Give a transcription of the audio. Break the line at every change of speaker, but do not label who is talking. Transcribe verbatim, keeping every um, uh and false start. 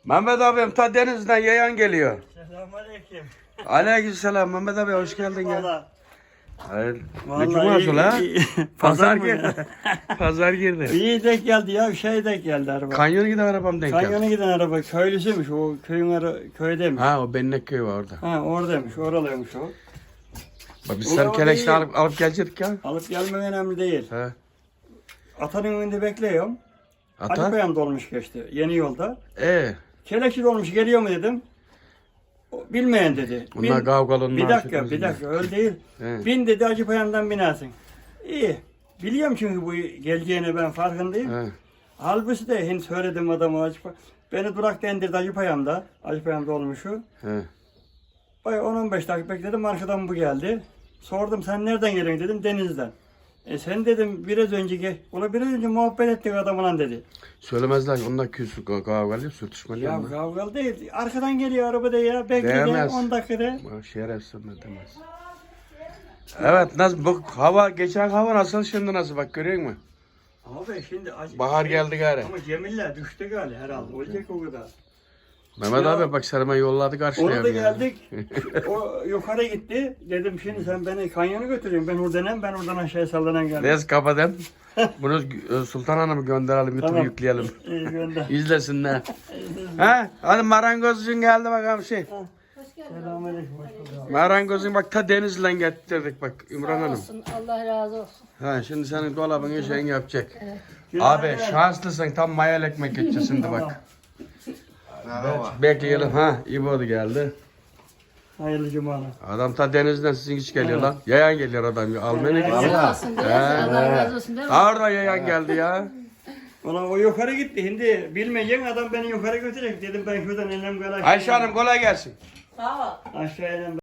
Mehmet abim ta denizden yayan geliyor.
Selamünaleyküm.
Aleykümselam Mehmet abi hoş geldin ya.
Valla.
Hayır. Ne
Vallahi
cuması la?
iyi-
Pazar
Pazar mı
girdi. Pazar girdi.
İyi denk geldi ya. Şey denk geldi araba.
Kanyona giden arabam denk geldi.
Kanyona giden araba köylüsüymüş. O köyün ara köydeymiş. Ha,
Ha o Bennek köyü var orada.
oradaymış. Oralıymış o.
Bak biz
O
sen
orada
keleşle
iyi.
alıp, alıp gelecektik ya.
Alıp gelmek önemli değil.
He.
Atanın önünde bekliyorum.
Ata?
Acıpayam dolmuş geçti. Yeni yolda.
Ee.
Keleşi dolmuş geliyor mu dedim. O, bilmeyen dedi.
Bunlar
Bin-
kavgalı onlar.
Bir dakika bir dakika öyle değil.
He.
Bin dedi Acıpayam'dan binersin. İyi. Biliyorum çünkü bu geleceğine ben farkındayım.
He.
Halbuki de henüz söyledim adamı Acıpayam. Beni durakta indirdi Acıpayam'da. Acıpayam'da olmuşu.
He.
Bay on on beş dakika bekledim arkadan bu geldi. Sordum sen nereden geliyorsun dedim denizden. E sen dedim biraz önce gel. Ola biraz önce muhabbet ettik adamla dedi.
Söylemezler onlar küsü kavgalı sürtüşmeli.
Ya
onlar.
kavgalı değil. Arkadan geliyor arabada ya. Bekledim
Değmez.
on dakikada.
Bak şerefsiz ne demez. Evet nasıl bu hava geçen hava nasıl şimdi nasıl bak görüyor musun?
Abi şimdi acı.
Bahar geldi gari.
Ama Cemiller düştü galiba herhalde. Olacak o kadar.
Mehmet
Ya,
abi bak Serma yolladı karşıya.
Orada geldik. O yukarı gitti. Dedim şimdi sen beni kanyona götürüyorsun. Ben oradan hem ben oradan aşağıya sallanan geldim.
Neyse kapatalım. Bunu Sultan Hanım'ı gönderelim, YouTube'a
Tamam.
yükleyelim.
İyi gönder.
İzlesinler. Ha? Hadi marangozcun geldi bakalım şey.
Selamünaleyküm. Hoş bulduk.
Marangozun bak ta denizden getirdik bak Ümran Hanım.
Olsun, Allah razı olsun.
Ha şimdi senin dolabını şeyini yapacak.
Günaydın.
Abi şanslısın tam mayal ekmek edeceğiz şimdi bak. Bekleyelim ha İbo da geldi.
Hayırlı cumalar.
Adam ta denizden sizin hiç geliyor lan. Yayan geliyor adam. Almanya gidiyor.
Sağ olsun değil mi? Allah razı olsun değil mi?
Orada yayan geldi ya.
Ulan o yukarı gitti. Şimdi bilmeyecek adam beni yukarı götürecek. Dedim ben şuradan elim kadar
Ayşe Hanım kolay gelsin.
Sağ ol.
aşağıya